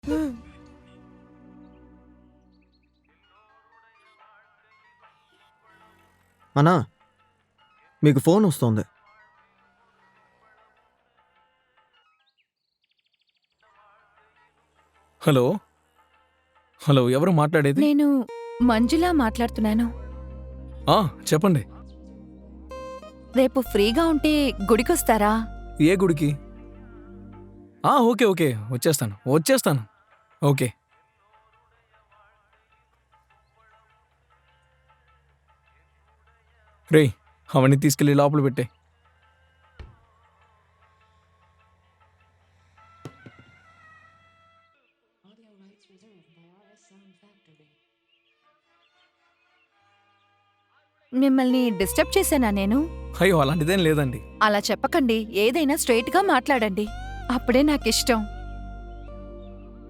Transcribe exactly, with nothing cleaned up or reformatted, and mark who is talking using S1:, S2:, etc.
S1: అన్నా, మీకు ఫోన్ వస్తోంది.
S2: హలో హలో ఎవరు మాట్లాడేది?
S3: నేను మంజులా మాట్లాడుతున్నాను.
S2: ఆ, చెప్పండి.
S3: రేపు ఫ్రీగా ఉంటే గుడికొస్తారా?
S2: ఏ గుడికి? ఆ, ఓకే ఓకే వచ్చేస్తాను వచ్చేస్తాను ఓకే. రే, అవన్నీ తీసుకెళ్ళి లోపల పెట్టే.
S3: మిమ్మల్ని డిస్టర్బ్ చేశానా నేను?
S2: అయ్యో, అలాంటిదేం లేదండి.
S3: అలా చెప్పకండి. ఏదైనా స్ట్రైట్ గా మాట్లాడండి. అప్పుడే నాకిష్టం.